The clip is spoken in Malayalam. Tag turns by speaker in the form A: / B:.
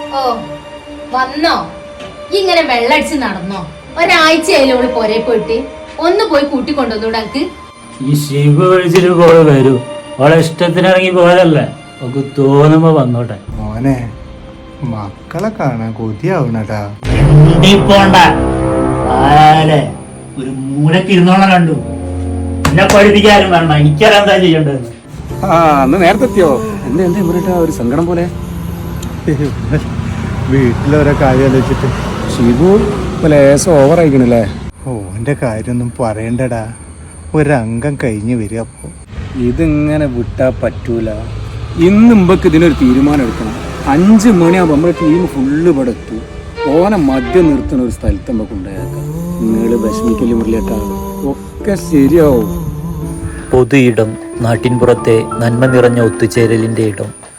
A: ഓ വന്നോ? ഇങ്ങനെ വെള്ളടിച്ച് നടന്നോ? ഒരാഴ്ചയായാലും അവള് പൊരേ പോയിട്ട് ഒന്ന് പോയി കൂട്ടിക്കൊണ്ടുവന്നൂടെ എനിക്ക്?
B: ഈ ശിവ വിളിച്ചിട്ട് കോള് വരൂ. അവളെ ഇഷ്ടത്തിന് ഇറങ്ങി പോയതല്ലേ, ഒക്കെ തോന്നുമ്പോ വന്നോട്ടെ.
C: മോനെ മക്കളെ കാണാൻ കൊതിയാവണടാ.
B: പോണ്ട ഒരു മൂലക്ക് ഇരുന്നോളം കണ്ടു. എന്നെ പഠിപ്പിക്കാനും വേണ്ട, എനിക്കറിയാൻ എന്താ ചെയ്യേണ്ടതെന്ന്.
D: അന്ന് നേരത്തെ എത്തിയോ? എന്താ ഒരു സങ്കടം പോലെ?
C: വീട്ടിലോരോ കാര്യം ആലോചിച്ചിട്ട്
D: ഷിബു ലേസം ഓവർ ആയിക്കണല്ലേ?
C: ഓന്റെ കാര്യമൊന്നും പറയണ്ടടാ. ഒരംഗം കഴിഞ്ഞ് വരിക. അപ്പോ
D: ഇതിങ്ങനെ വിട്ടാ പറ്റൂല. ഇന്ന് മുമ്പക്ക് ഇതിനൊരു തീരുമാനം എടുക്കണം. 5 മണിയാകുമ്പോൾ നമ്മുടെ ടീം ഫുള്ള് ഇവിടെ എത്തും. ഓനെ മദ്യം നിർത്തുന്ന ഒരു സ്ഥലത്ത് നമുക്ക് ഉണ്ടായേക്കാം. നിങ്ങൾ വിഷമിക്കല് മുറിയേട്ടാ, ഒക്കെ ശരിയാവും.
E: പൊതു ഇടം, നാട്ടിൻപുറത്തെ നന്മ നിറഞ്ഞ ഒത്തുചേരലിൻ്റെ ഇടം.